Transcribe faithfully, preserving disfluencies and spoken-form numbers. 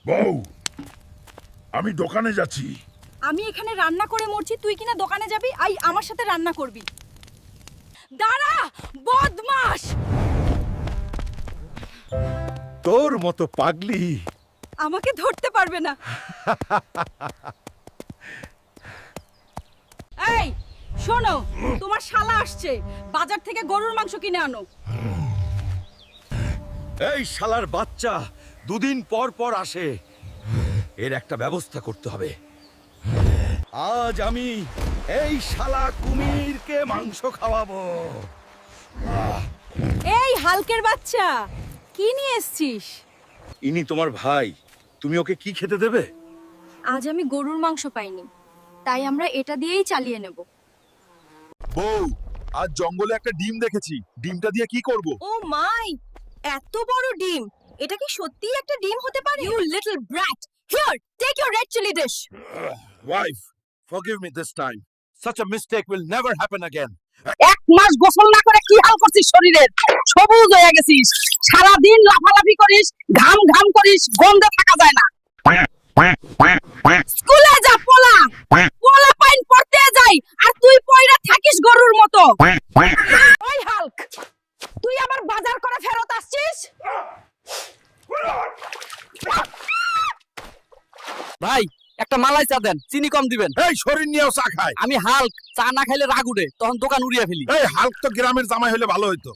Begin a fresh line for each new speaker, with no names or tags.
বউ, আমি দোকানে যাচ্ছি।
আমি এখানে রান্না করে মরছি, তুই কিনা দোকানে যাবি? আই আমার সাথে রান্না করবি? দাঁড়া বদমাশ!
তোর মতো পাগলি
আমাকে ধরতে পারবে না। এই শোনো, তোমার শালা আসছে, বাজার থেকে গরুর মাংস কিনে আনো।
এই শালার বাচ্চা দুদিন পর পর আসে, এর একটা ব্যবস্থা করতে হবে। আজ আমি এই শালা কুমিরকে মাংস খাওয়াবো।
এই হালকের বাচ্চা, কি নিয়ে এসছিস?
ইনি তোমার ভাই, তুমি ওকে কি খেতে দেবে?
আজ আমি গরুর মাংস পাইনি, তাই আমরা এটা দিয়েই চালিয়ে নেব।
বউ, আজ জঙ্গলে একটা ডিম দেখেছি, ডিমটা দিয়ে কি করব?
ও মাই, এত বড় ডিম! এটা কি সত্যিই একটা ডিম হতে পারে? You little brat, here take your red chilli dish.
Wife, forgive me this time, such a mistake will never happen again.
এক মাস গোসল না করে কি হাল করছিস শরীরের? সবুজ হয়ে গেছিস, সারা দিন লাফালাফি করিস, ঘাম ঘাম করিস, গন্ধে থাকা যায় না। স্কুলে যা পোলা, পোলা পাইন পড়তে যাই, আর তুই পয়রা থাকিস গরুর মতো। ওই হাল্ক, তুই আবার বাজার করে ফেরত আসছিস?
ভাই একটা মালাই চা দেন, চিনি কম দিবেন।
এই শরীর নিয়েও চা খায়।
আমি হাল্ক, চা না খাইলে রাগ উঠে, তখন দোকান উড়িয়ে ফেলি।
এই হাল্ক তো গ্রামের জামাই হলে ভালো হইতো।